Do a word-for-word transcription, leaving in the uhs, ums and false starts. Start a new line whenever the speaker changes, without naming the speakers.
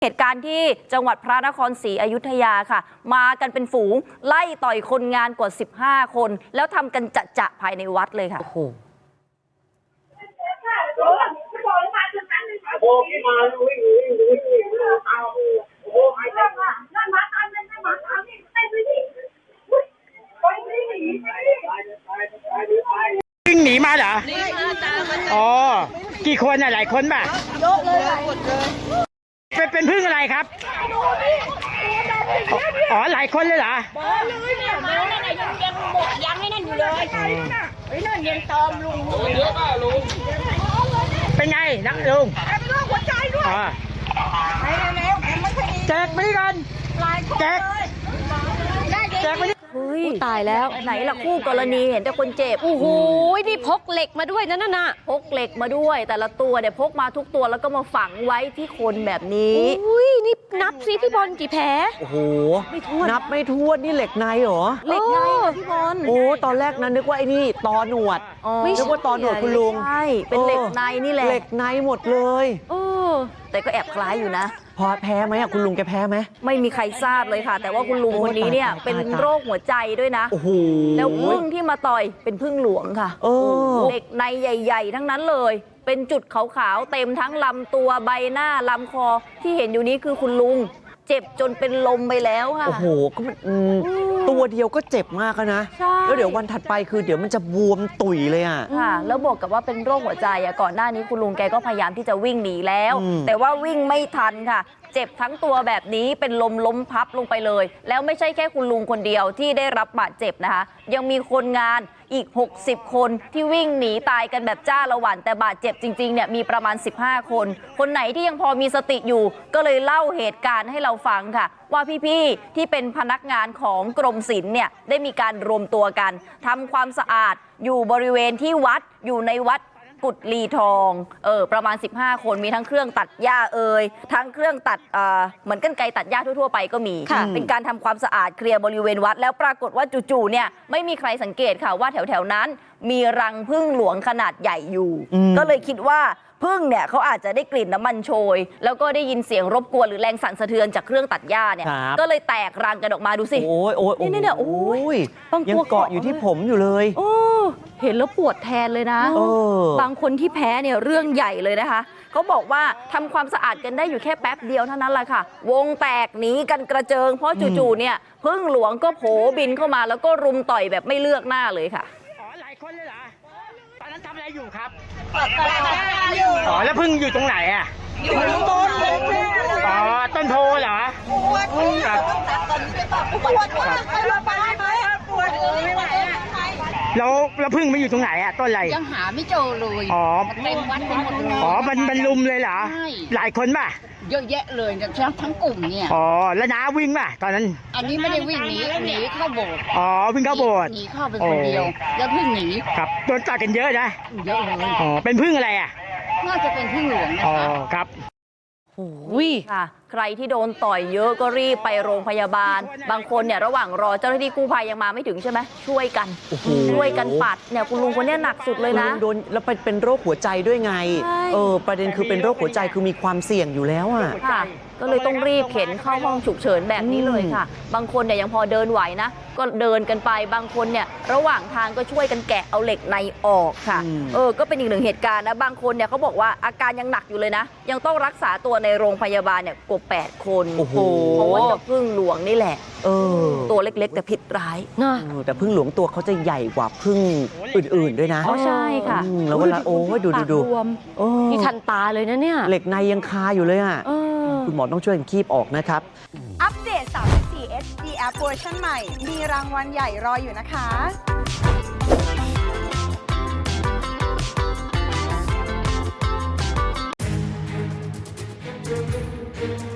เหตุการณ์ที่จังหวัดพระนครศรีอยุธยาค่ะมากันเป็นฝูงไล่ต่อยคนงานกว่าสิบห้าคนแล้วทำกันจะจะภายในวัดเลยค่ะโอ้โห
วิ่งหนีมาเหรออ๋อกี่คนอ่ะหลายคนป่ะเยอะเลยหลายคนเลยเป็นเป็นพึ่งอะไรครับอ๋อหลายคนเลยเหรอบ้าเลยเนี่ยน้องนั่นยังยังหมดยังให้นั่นอยู่เลยไอ้นั่นยังตอมลุงเยอะป่ะลุงเป็นไงนะลุงเป็นโรคหัวใจด้วยอ๋อไปแล้วแจกไปกันแจกแจกไป
เฮ้ยตายแล้วไหนล่ะคู่กรณีเห็นแต่คนเจ็บ
โอ้โหนี่พกเหล็กมาด้วยนั่นน่ะ
พกเหล็กมาด้วยแต่ละตัวเนี่ยพกมาทุกตัวแล้วก็มาฝังไว้ที่คนแบบนี้
อุ้ยนี่นับซิพี่บอลกี่แผล
โอ้โหนับไม่ถ้วนนี่เหล็กในเหรอ
เหล็กในพี่บอล
โอ้ตอนแรกนั้นนึกว่าไอ้นี่ตอหนวดนึกว่าตอหนวดคุณลุง
ใช่เป็นเหล็กในนี่แหละ
เหล็กในหมดเลย
เออแต่ก็แอบคล้ายอยู่นะ
พอแพ้ไหมอ่ะคุณลุงแกแพ้ไหม
ไม่มีใครทราบเลยค่ะแต่ว่าคุณลุงคนนี้เนี่ยเป็นโรคหัวใจด้วยนะ
โอ้โห
แล้วพึ่งที่มาต่อยเป็นพึ่งหลวงค่ะเหล็กในใหญ่ๆทั้งนั้นเลยเป็นจุดขาวๆเต็มทั้งลำตัวใบหน้าลำคอที่เห็นอยู่นี้คือคุณลุงเจ็บจนเป็นลมไปแล้วค่ะ
โอ้โหก็มันตัวเดียวก็เจ็บมากนะแล้วเดี๋ยววันถัดไปคือเดี๋ยวมันจะบวมตุ๋ยเลยอ่ะ
ค่ะแล้วบอกกับว่าเป็นโรคหัวใจอ่ะก่อนหน้านี้คุณลุงแกก็พยายามที่จะวิ่งหนีแล้วแต่ว่าวิ่งไม่ทันค่ะเจ็บทั้งตัวแบบนี้เป็นลมล้มพับลงไปเลยแล้วไม่ใช่แค่คุณลุงคนเดียวที่ได้รับบาดเจ็บนะคะยังมีคนงานอีกหกสิบคนที่วิ่งหนีตายกันแบบจ้าละหวันแต่บาดเจ็บจริงๆเนี่ยมีประมาณสิบห้าคนคนไหนที่ยังพอมีสติอยู่ก็เลยเล่าเหตุการณ์ให้เราฟังค่ะว่าพี่ๆที่เป็นพนักงานของกรมศิลป์เนี่ยได้มีการรวมตัวกันทำความสะอาดอยู่บริเวณที่วัดอยู่ในวัดกุดลีทองเออประมาณสิบห้าคนมีทั้งเครื่องตัดหญ้าเอ่ยทั้งเครื่องตัดเอ่อเหมือนกรรไกรตัดหญ้าทั่วๆไปก็มีเป็นการทำความสะอาดเคลียร์บริเวณวัดแล้วปรากฏว่าจู่ๆเนี่ยไม่มีใครสังเกตค่ะว่าแถวๆนั้นมีรังผึ้งหลวงขนาดใหญ่อยู่ก็เลยคิดว่าผึ้งเนี่ยเขาอาจจะได้กลิ่นน้ำมันโชยแล้วก็ได้ยินเสียงรบกวนหรือแรงสั่นสะเทือนจากเครื่องตัดหญ้าเนี่ยก็เลยแตกรังกันออกมาดูสิ
โอ้ยโอ้ย
นี่เนี่ยโอ้
ยยังเกาะอยู่ที่ผมอยู่เลย
โอ้เห็นแล้วปวดแทนเลยนะบางคนที่แพ้เนี่ยเรื่องใหญ่เลยนะคะเขาบอกว่าทำความสะอาดกันได้อยู่แค่แป๊บเดียวเท่านั้นแหละค่ะวงแตกหนีกันกระเจิงเพราะจู่ๆเนี่ยผึ้งหลวงก็โผบินเข้ามาแล้วก็รุมต่อยแบบไม่เลือกหน้าเลยค่ะ
อ๋อหลายคนเลยเหรอตอนนั้นทำอะไรอยู่ครับอ๋อแล้วพึ่งอยู่ตรงไหนอ่ะอยู่ตรงต้นอ๋อต้นโพเหรอปวดครับปวดปวดไปโรงพยาบาลไหมปวดไม่ไหวอ่ะแล้วแล้วพึ่งไม่อยู่ตรงไหนอ่ะต้นอะไร
ยังหาไม่เจอเลย
อ๋อ
เต็มวัดไปหมดเลย
อ๋อมันมันลุมเลยเหรอหลายคนป่ะ
เยอะแยะเลยทั้งทั้งกลุ่มเนี่ย
อ๋อแล้วน้าวิ่งป่ะตอนนั้น
อันนี้ไม่ได้วิ่งหนีหนีเข้าโบสถ์
อ๋อวิ่งเข้าโบสถ์
หนีเข้าไปคนเดียวแล้วพึ่งหนี
ครับโดนต่อยกันเยอะนะ
เยอะเลย
อ๋อเป็นพึ่งอะไรอ่ะ
น่าจะเป็นพึ่งหลวงนะคะ
อ๋อครับ
โอ้ยค่ะใครที่โดนต่อยเยอะก็รีบไปโรงพยาบาลบางคนเนี่ยระหว่างรอเจ้าหน้าที่กู้ภัยยังมาไม่ถึงใช่ไหมช่วยกันช่วยกันปัดเนี่ยคุณลุงคนนี้หนักสุดเลยนะ
โดนแล้วเป็นโรคหัวใจด้วยไงเออประเด็นคือเป็นโรคหัวใจคือมีความเสี่ยงอยู่แล้วอ่ะ
ค่ะก็เลยต้องรีบเข็นเข้าห้องฉุกเฉินแบบนี้เลยค่ะบางคนเนี่ยยังพอเดินไหวนะก็เดินกันไปบางคนเนี่ยระหว่างทางก็ช่วยกันแกะเอาเหล็กในออกค่ะเออก็เป็นอีกหนึ่งเหตุการณ์นะบางคนเนี่ยเขาบอกว่าอาการยังหนักอยู่เลยนะยังต้องรักษาตัวในโรงพยาบาลเนี่ยกว่าแปดคนเพราะว่าจะพึ่งหลวงนี่แหละเออตัวเล็กๆแต่พิษร้าย
นะแต่พึ่งหลวงตัวเขาจะใหญ่กว่าพึ่งอื่นๆด้วยนะ
อ๋อใช่ค่ะ
แล้วเวลาโอ้ดูดูดู
นี่ทันตาเลยนะเนี่ย
เหล็กในยังคาอยู่เลยอ่ะคุณหมอต้องช่วยกันคีบออกนะครับ
อัปเดต สามสิบสี่ เอช ดี App เวอร์ชันใหม่มีรางวัลใหญ่รออยู่นะคะ